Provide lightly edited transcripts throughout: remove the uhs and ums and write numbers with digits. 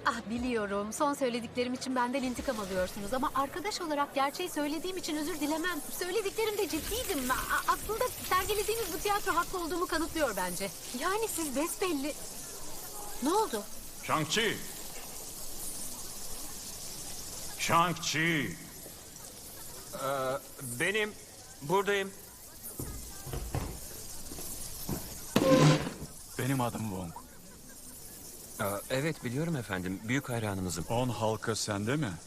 Ah biliyorum. Son söylediklerim için benden intikam alıyorsunuz. Ama arkadaş olarak gerçeği söylediğim için özür dilemem. Söylediklerimde ciddiydim. Aslında sergilediğiniz bu tiyatro haklı olduğumu kanıtlıyor bence. Yani siz besbelli... Ne oldu? Shang-Chi! Shang-Chi! Benim. Buradayım. Benim adım Wong. Evet biliyorum efendim. Büyük hayranınızım. 10 halka sende mi?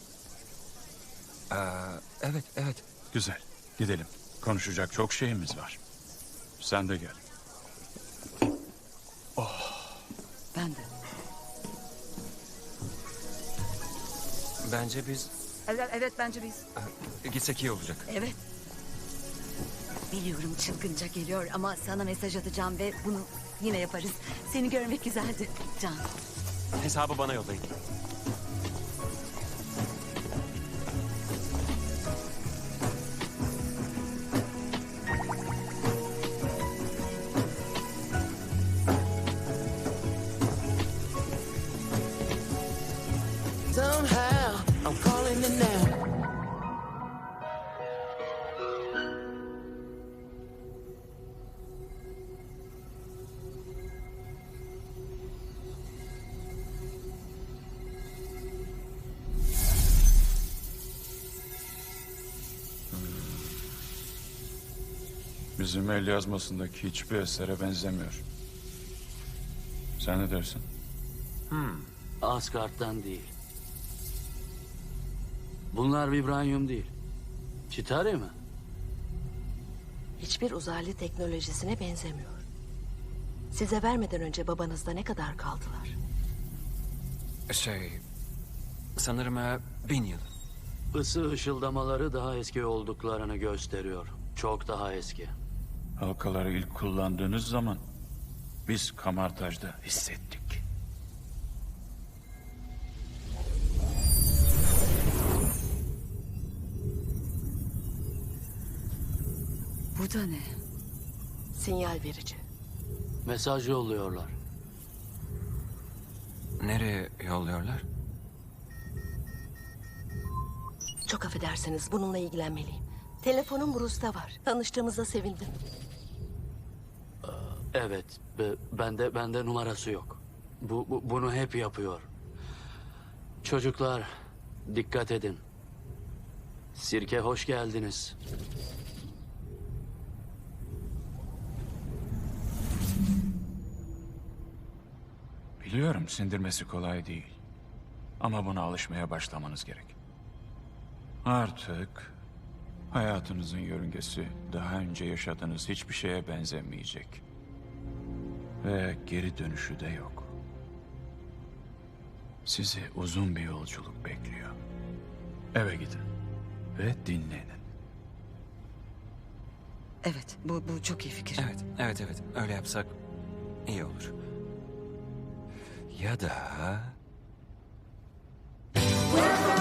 Evet, evet. Güzel. Gidelim. Konuşacak çok şeyimiz var. Sen de gel. Ben de. Bence biz Evet bence biz. gitsek iyi olacak. Evet. Biliyorum çılgınca geliyor ama sana mesaj atacağım ve bunu yine yaparız. Seni görmek güzeldi Can. Hesabı bana yollayın. Somehow I'm calling it now. Bizim el yazmasındaki hiçbir esere benzemiyor. Sen ne dersin? Asgard'dan değil. Bunlar vibranyum değil. Chitauri mi? Hiçbir uzaylı teknolojisine benzemiyor. Size vermeden önce babanızda ne kadar kaldılar? Sanırım 1000 yıl. Isı ışıldamaları daha eski olduklarını gösteriyor. Çok daha eski. Halkaları ilk kullandığınız zaman biz Kamartaj'da hissettik. Bu da ne? Sinyal verici. Mesaj yolluyorlar. Nereye yolluyorlar? Çok affedersiniz, bununla ilgilenmeliyim. Telefonum Bruce'da var. Tanıştığımıza sevindim. Evet, bende numarası yok. Bunu hep yapıyor. Çocuklar, dikkat edin. Sirke hoş geldiniz. Biliyorum sindirmesi kolay değil. Ama buna alışmaya başlamanız gerek. Artık hayatınızın yörüngesi daha önce yaşadığınız hiçbir şeye benzemeyecek. Ve geri dönüşü de yok. Sizi uzun bir yolculuk bekliyor. Eve gidin ve dinlenin. Evet bu çok iyi fikir. Evet. Öyle yapsak iyi olur. Ya da...